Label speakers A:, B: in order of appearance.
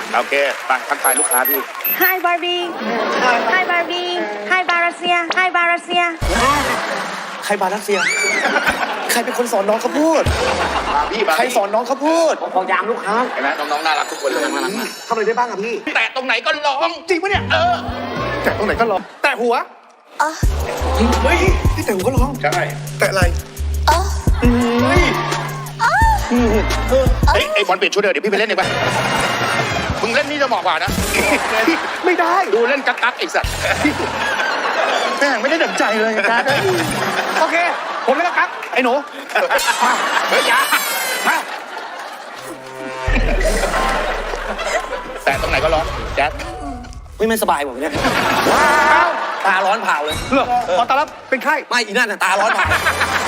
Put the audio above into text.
A: โอเคไปทักทายลูกค้าพี่
B: Hi Barbie Hi Barbie Hi Barasia Hi Barasia
C: ใครบารัสเซีย ใครเป็นคนสอนน้องเขาพูด
A: พี่มา
C: ใครสอนน้องเขาพูด
D: ของยามลูกค้า
A: เห็นไหมน้องๆน่ารักทุกคนเลยน่ารักมาก
C: ทำอะไรได้บ้างอะพี่
A: แต่ตรงไหนก็ร้องจริงปะเนี่ย
C: แต่ตรงไหนก็ร้องแต่หัวเฮ้ยที่แต่หัวก็ร้อง
A: ใช่
C: แต่อะไร
A: เฮ้ยไอ้บอลเปลี่ยนชุดเดี๋ยวพี่ไปเล่นเองไปมึงเล่นนี่จะเหมาะกว่านะ
C: ไม่ได้
A: ดูเล่นกักไอ้สัตว์แม่งไม่ได้ดั่งใจเลยกัก
C: โอเค ผมเล่นกั๊กไอ้หนู
A: เฮ้ยอย่ามาแต่ตรงไหนก็ร้องแจ๊ด
D: ไม่สบายผมเนี่ยตาร้อนเผาเลย
C: เหรอขอต้อนรับเป็นไข้
D: ไม่อีนั่นน่ะตาร้อนเผา